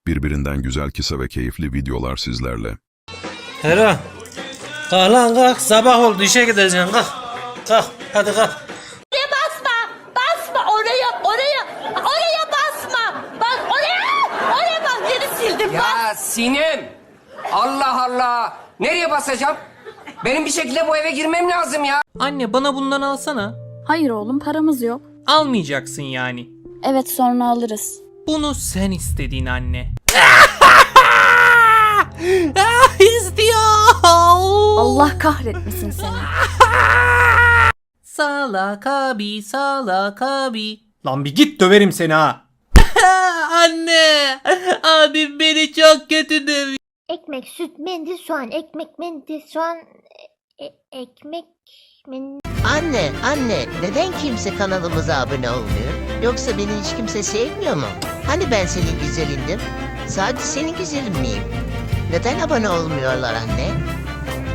Birbirinden güzel kısa ve keyifli videolar sizlerle. Hera, kalk lan kalk, sabah oldu, işe gideceksin, kalk. Kalk, hadi kalk. Oraya basma oraya basma. Bak oraya bak, yeri sildim. Ya Sinem! Allah Allah! Nereye basacağım? Benim bir şekilde bu eve girmem lazım ya. Anne bana bundan alsana. Hayır oğlum, paramız yok. Almayacaksın yani. Evet, sonra alırız. Bunu sen istedin anne. İstiyor. Allah kahretmesin seni. Salak abi, salak abi. Lan bir git, döverim seni ha. Anne, abim beni çok kötü dövüyor. Ekmek, süt, mendil, soğan, ekmek, mendil, soğan, ekmek, mendil. Anne, neden kimse kanalımıza abone olmuyor? Yoksa beni hiç kimse sevmiyor mu? Hani ben senin güzelindim? Sadece senin güzelin miyim? Neden abone olmuyorlar anne?